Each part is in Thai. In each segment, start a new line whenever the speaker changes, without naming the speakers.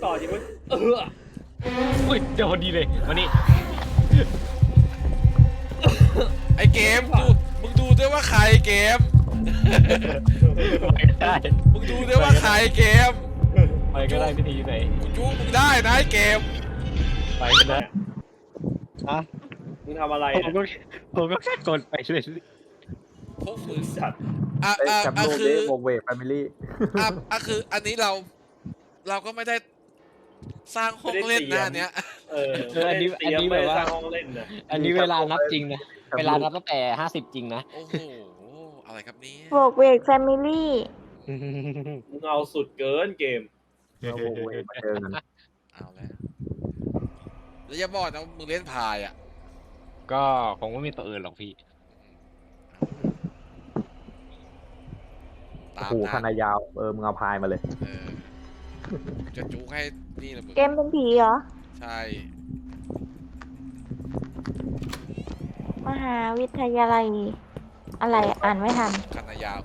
ต่อจริงมั้ย
อุ้ยเดี๋ยวพอดีเลยมานี่
ไอเกมมึงดูด้วยว่าใครเกม
ไปก็ได้
มึงดูด้วยว่าใครเกม
ไปก็ได้พิธีไหน
กูจู้มึงได้นะไอเกม
ไปก็ได้ฮะ
มึงทำอะไร
ผมก็แค่กดไปช่วย
พวกมึง
สัตว์
แคปโล
คื
เด
อ
วงเวกแฟมิลี่
คืออันนี้เราก็ไม่ได้สร้างห้องเล่นนะอันเนี้ย
อันนี้แบบว่า
สร้างห้องเล่นนะ
อันนี้เวลานับจริงนะเวลานับตั้งแต่50จริงนะ
โอ้โหอะไรครับนี้
โบกเวกแฟมิลี่
มึงเอาสุดเกินเกม
แล้ววงเวกมาเจอกัน
เอาแล้วอย่าบอกนะมึงเล่นพายอ่ะ
ก็คงไม่มีตัวอื่นหรอกพี่
ตาม
โอ้โห
นะ
คณะยาวมึงเอาพายมาเลย
จะจูให้นี่แหละมึง
เกมเป็นผีเหรอ
ใช่
มหาวิทยาลัย อะไรอ่านไม่ทัน
คันนายาว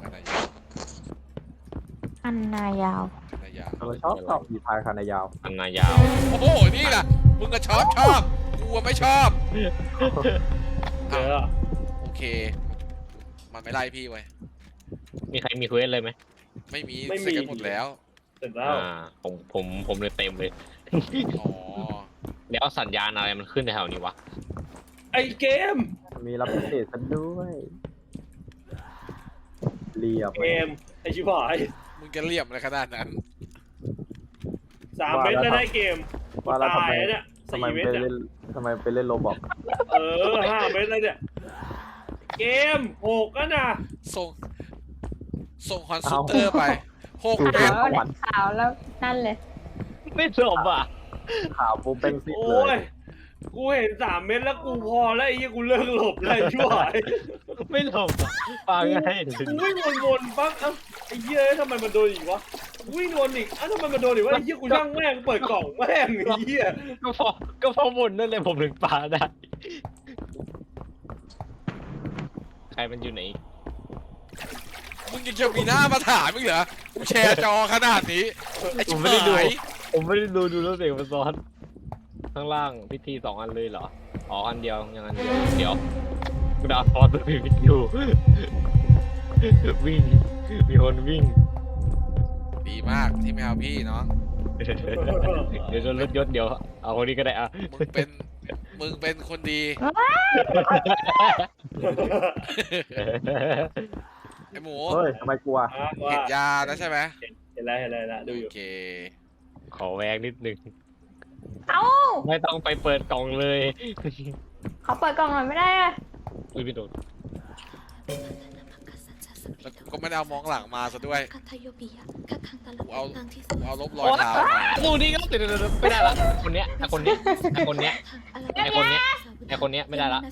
อันนายาว
คันนายาว
เราชอบมีพายคณะยาว
อันนายาว
โอ้โหนี่แหละมึงก็ชอบกูไม่ชอบ
เออ
โอเค มันไม่ไล่พี่ไว้
มีใครมีเควสเลยไหม
ไม่มีเสร็จกันหมดแล้ว
เสร็จแล้ว
ผมเลยเต็มเลย
อ๋อ
แล้วสัญญาณอะไรมันขึ้นในแถวนี้วะ
ไอเกม
มีรับพิเศษซะด้วยเรียบ
เกมไอชิบหาย
มึงจะเรียบอะไรขนาดนั้น
3 เม็ดแล้วได้เกม
ว่าแล้วทำ
ตาย
ไม
แล้วเนี่ย
ทำไม
4 เม็ด
ไป
เนี่ย
เล่นทำไมไปเล่นโรบอก
5 เม็ดแล้วเนี่ยเกม6ก็นะ
ส่งฮอนซูเตอร์ไป6
คือ
เม็ด
ขวัญ
ขาวแล้วนั่นเลย
ไม่จบอ่ะ
ข่าวปูเป้งซิก
โอ้
เลย ย
กูเห็น3 เม็ดแล้วกูพอแล้วไอ้ยี่กูเลิกหลบเลยชิบหาย
ไม่จบฟังให้
กูวิ่งวนๆปั๊บไอ้เหี้ยทำไมมันโดนอีกวะวิ่งวนอีกทำไมมันโดนอีกวะไอ้เหี้ยกูช่างแม่งเปิดกล่องแม่งไอ้เหี้ย
ก็พอหมดนั่นเลยผมถึงปาได้ ใครมันอยู่ไหน
มึงยังจะมีหน้ามาถามมึงเหรอกูแชร์จอขนาดนี้ไอ้
ผ
ชิ
ม
บ
ไม่ได้ดู
หาย
ผมไม่ได้ดูแล้วเสียงมันซ้อน ข้างล่างพิธี2 อันเลยเหรอ อ๋ออันเดียวยังอันเดียวเดี๋ยวกูดาวฟอสตัวพิธีอยู่ วิ่ง มีคนวิ่ง
ดีมากที่ไม่เอาพี่น้อง
เดี๋ยวโดนรถยศเดี๋ยว เอาคนนี้ก็ได้อ่ะ
มึงเป็นคนดีไอหมู
เฮ้ยทำไมกลัว
เห็นยาแล้วใช่ไหม
เห็นแล้วดูอยู่
โอเค
ขอแวกนิดนึง
เอ้า
ไม่ต้องไปเปิดกล่องเลย
เขาเปิดกล่องหน่อยไม่ได้อะ
อุ้ยพี่โดน
แล้วกูก็ไม่ได้เอามองหลังมาซะด้วยกูเอาลบรอย
โอ๊ย
เท้ามา
ดูนี่ก็ติดไม่ได้ละคนเนี้ยไอคนเนี้ยไอคนเนี้ยไอคนเนี้ยไอคนเนี้ยไม่ได้ละ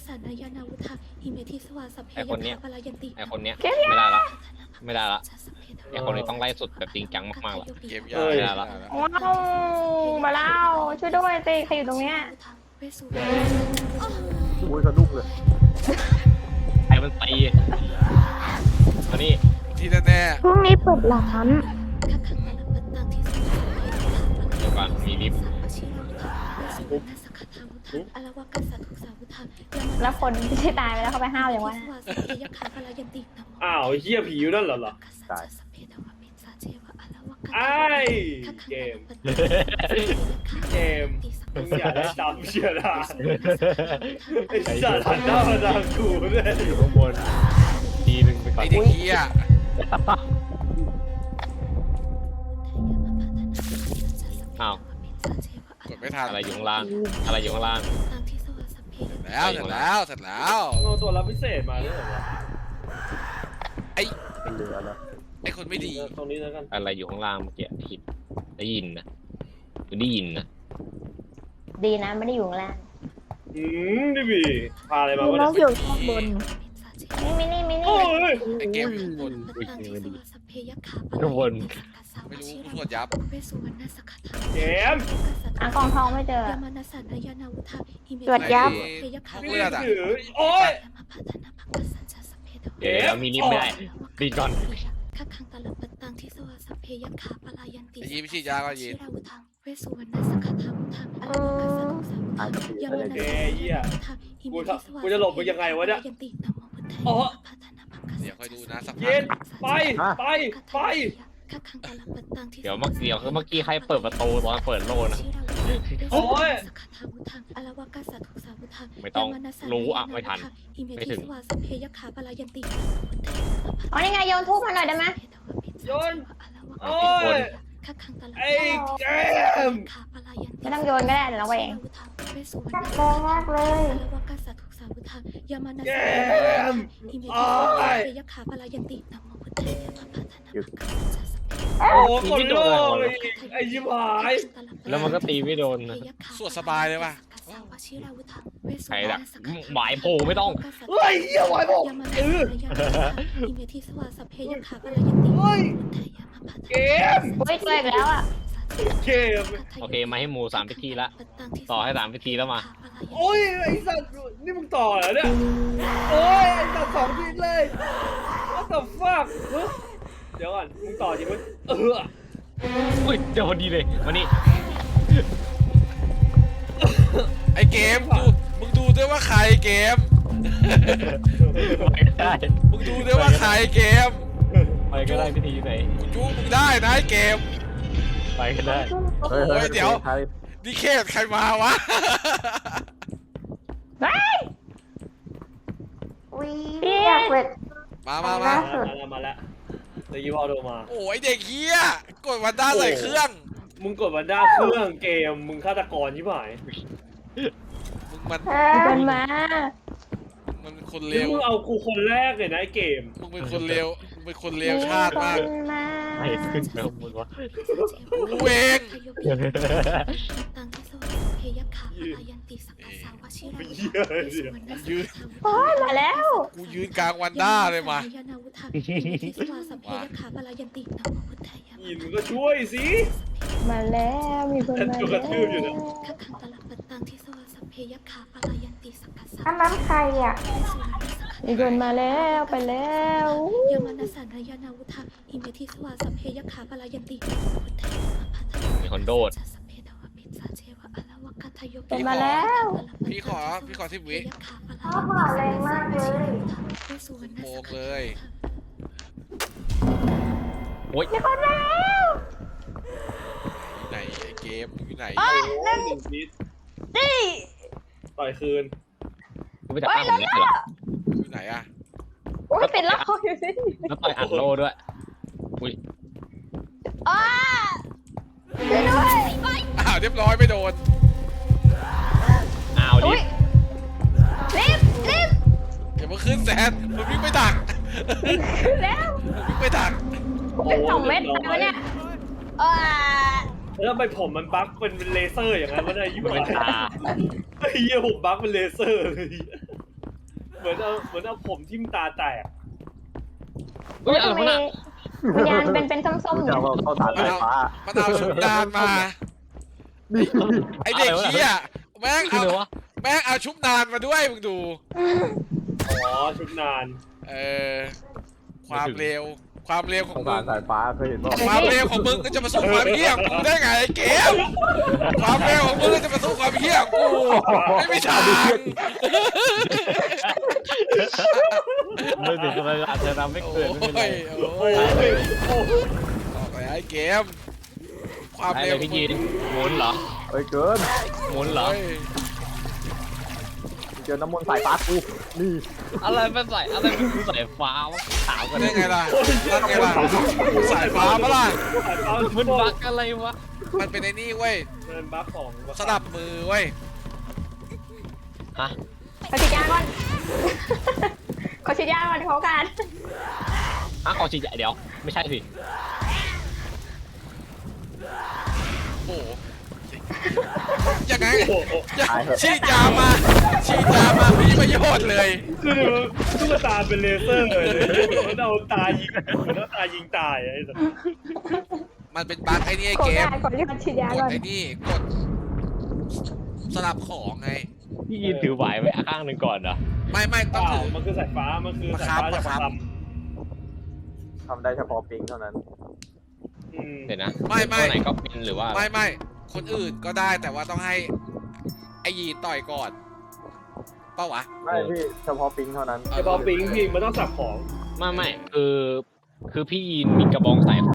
ไอคนเนี้ยไอคนเนี้ยไม่ได้ละไม่ได้ละไอคนนี้ต้องไล่สุดแบบจริงจังมากๆละ
เกมยา
ไม่ได้ละ
ว้าวมาแล้วช่วยด้วยสิใครอยู่ตรงเนี้ย
อุ้ยสะดุ้งเลย
ไอ้มันตีมานี่
ที่แน่
พรุ่งนี้เปิดร้าน
เดี๋ยวก่อนมีลิฟต์
แล้วคนที่ตายไปแล้วเขาไปห้าวอย่างวะ
อ้าวไอ้เหี้ยผีอยู่นั่นเหรอ
ตาย
ไอ้เกมมึงอย่าได้จำเชียร์นะไอ้สัตว์หันหน้ามาทางกูเลย
อยู่ข้างบนทีนึงไป
ๆ
ก่อน
ไอเด็กเหี้ย
อ้าว
กดไม่ทัน
อะไรอยู่ข้างล่างอะไรอยู่ข้างล่าง
เสร็จแล้ว
เอาตัวรับพิเศษมาด้วยเหรอวะ
เป็นเหลือแล้ว
ไอคนไม่ดี
ตรงนี้แล้วกัน
อะไรอยู่ข้างล่างเมื่อกี้ผิดได้ยินนะได้ยินนะ
ดีนะไม่ได้อยู่ข้างล่าง
นี่บีพาอะไรมา
มี
วะ
น้องอ
เนี่ย
ยู่ข้างบนมินี่
โอ้ย
ไอเกมอยู่ข้างบน
อุ้ยไม่ดีข้างบน
ไม่รู้กูตรวจยับ
เกม
อ่ะกล่องทองไม่เจอตรวจยับ
ห้องเลือดอ่ะ
โอ้ย
เดี๋ยวมีลิฟต์ไม่ได้ดีก่อน
ไอยีไม่ฉีดยาก็ยีน
เวสสุวรรณสักขะทาวุธังอรวกัสสะทุสาวุธังยามนัสสะเทยะขาอิเมทิสวา
กูจะหลบมึงยังไงวะเนี่ย
ยันตินะโมพุทธายะ
อ๋อ
พัฒนาภักกะ
เดี๋ยวคอยดูนะสักพั
เย็
ก
นไปไปไป
ข้าคังตะลับปัตตังที่
เดี๋ยวเมื่อกี้ใครเปิดประตูตอนเปิดโลนะ
โอ้ย
สักขะทาวุธังอรวกัสสะทุสาวุธัง
ไม่ต้อง
ยานัสสะ
รู้อะไม่ทัน
อิเม
ไม่
ทิ
ถึง
สวาสัพเพยะขาปะลายันติ
อ๋อนี่ไงโยนทูบมาหน่อยได้ไหม
โยน โอ้
โอ้
ย
ย
ไอ้เกม
ไม่ต้องโยนก็ได้เดี๋ยวเราไปเอง แรงมากเลย
ยามานา
เก
สะ
ม
อิเม
โอ้
ทิสวาสัพ
ย
เพยะขาปะลายันตินะโมพุทธายะพัฒนาภักกะสัสสะ
โอ้คนโลกเลยไอ้ยิบหาย
แล้วมันก็ตีไม่โดนนะ
สวดสบายเลยว่ะ
ใครล่ะหมายโผล่ไม่ต้อง
เฮ้ยเหี้ยไหวบอก
ยามานาสะอิเมทิสวาสัพเพยะขาปะลายันติ
เฮ้ย เกม
อุ้ยเจออีกแล้วอ่ะ
เกม
โอเคมาให้หมู3 พิธีละต่อให้3 พิธีแล้วมา
โอ้ยไอ้สัตว์นี่มึงต่อเหรอเนี่ยโอ้ยไอ้สัตว์2 ทีเลย What the fuck เฮ้ยเดี๋ยวก่อนมึงต่อจริงไหม
อุ้ยเดี๋ยวพอดีเลยมานี่
ไอเกมดูมึงดูด้วยว่าใครเกม
ไปก็ได้
มึงดูด้วยว่าใครเกม
ไปก็ได้พิธีไหน
กูจู้มึงได้นะไอเกม
ไปก็ได้
เฮ้ย
โอ้ยเดี๋ยว
ใคร
นี่เคสใครมาวะ
อุ้ยอยากเปิด
มา
มาแล้วเดี๋ยวยิบเอาโดมา
โอ้ยเด็กเฮียกดวันด้าใส่เครื่อง
มึงกดวันด้าเครื่องเกมมึงฆาตกรชิบหาย
มึงมัน
เป็นมา
มันเป็นคนเล
นี่
ว
มึงเอากูคนแรกเลยนะไอ้เกม
มึงเป็นคนเลวมึงเป็นคนเลวชาติมาก
เป็นมา
ไม่ขึ้นแล้วมึงวะ
กูเอง
ตังที่สวาสัพเพยะขาปะลายันติสักกะสาวชิรา
เหี้ยเดี๋ยว
ยืน
โอ้ยมาแล้ว
กูยืนกลางวันด้าเลยมา
ยานาวุธังอิเมทิสวาสัพเพยะขาปะลายันตินะโมพุทธายะ
ยินมึงก็ช่วยสิ
มาแล้วมีคนมา
กระทืบอยู่นะ
ข้าคังตะลับปัตตังที่สวาสัพเพยะขาปะลายันติสักกะสาว
อันนั้นใครอ่ะ
เวสสุวรรณสักขะ
มีคนมาแล้วไปแล้ว
ยามานาสันยานาวุธังอิเมทิสวาสัพเพยะขาปะลายันตินะโมพุทธายะพัฒนา
มีคนโดด
สัพเพทวปิสาเชวะอะละวะกัทโย
เป็นมาแล้ว
พี่ขอ10 วิ
อ้าวมาแรงมากเลย
เวสสุวรรณ
โบ
สัก
ก
ขะ
เลย
โอ๊ย
มีคนมาแล้ว
อยู่ไหนไอเกมมึงอยู่ไหน
โอ้ยหนึ่งนิด
นี่
ต่อยคืน
กูไปจับตั้งผมเนี่ยเหรอ
อยู่ไหนอะ
โอ้ยเป็นล็อกอยู่สิ
แล้วต่อยอัดโลด้วยอุ้ย
อ้าช่วยด้วย
อ้าวเรียบร้อยไม่โดน
อ้าวดิ
อุ้ยรีบ
อย่ามาขึ้นแซนมึงวิ่งไปดัก
แล้ว
มึงวิ่งไปดัก
เป็น2 เม็ดอะไรวะเนี่ย
แล้วทำไมผมมันบั๊กเป็นเลเซอร์อย่างนั้นวะเนี่ยยี่ห้
เป็นตา
ไอ้เหี้ยผมบั๊กเป็นเลเซอร์เลยเหมือนเอาผมทิ่มตาแตก
อุ้ยอะไร
ทำไม
วะน่ะ
วิญญาณเป็นส้มๆ
จะ
เนี่ย
เอาเข้าฐานไฟฟ้า
มันเอาชุดนานมา ไอเด็กเฮียแม่ง
คือ
เอา
อะไรวะ
แม่งเอาชุบนานมาด้วยมึงดู
อ๋อชุดนาน
เออความเร็วของ
เข้า
มึ
ฐาง นสายฟ้าเคยเห็นป่ะ
ความเร็วของมึงก็จะมาสู้ความเหี้ยของกูได้ไงไอ้เกมความเร็วของมึงก็จะมาสู้ความเหี้ยของกูไม่มีทาง
ไม่ถึงอะไรอาจจะทำไม่เกิดไม่เป็นไร
โอ้ย
โอ้ยโอ้ย
บอกไปไอ้เกมความ
ได้
เร็
เล
วย ของ
พี่
มึ
ยี
ง
นหมุนเหรอ
เฮ้ยเกิน
หมุนเหรอ
เฮ้ย
เจอน้ำมนต์สายฟ้ากูนี่
อะไรเป็นสายอะไรเป็นคือสายฟ้าวะถามกัน
ได้ไงล่ะนั่นไงล่ะสายฟ้าปะล่ะ
มันบักอะไรวะ
มันเป็นไอ้นี่เว้ย
เป็นบั๊กของ
สลับมือเว้ย
ฮะ
ขอฉีดยาก่อนขอฉีดยาก่อนเขากัน
อ่ะขอฉีดยาเดี๋ยวไม่ใช่สิ
โอ้โหยังไง
โอ้โห
ฉีดยามาไม่มีประโยชน์เลย
คือตุ๊กตาเป็นเลเซอร์เลยมันเอาตายิงมันเอาตายิงตายไอ้สัส
มันเป็นบั๊กไอ้นี่ไอ้
ขอ
เก
ยาม ก่อนที่เขาฉีดยาก
ด
ก่อน
ไอ้นี่กดสลับของไง
พี่ยีนถือไหวไว้ข้างหนึ่งก่อนเหรอ
ไม่ต้องถือ
มันคือสายฟ้ามันคือสายฟ้าจากประค
ทำได้เฉพาะปิงเท่านั้น
ำ
เดี๋ยวนะ
ไม่
ตัวไหนก็เป็นหรือว่า
ไม่คนอื่นก็ได้แต่ว่าต้องให้ไอ้ยีนต่อยก่อนเป้าวะ
ไม่พี่เฉพาะปิงเท่านั้น
แต่พอปิงพี่มันต้องสับของ
ไม่คือพี่ยีนมีกระบองสาย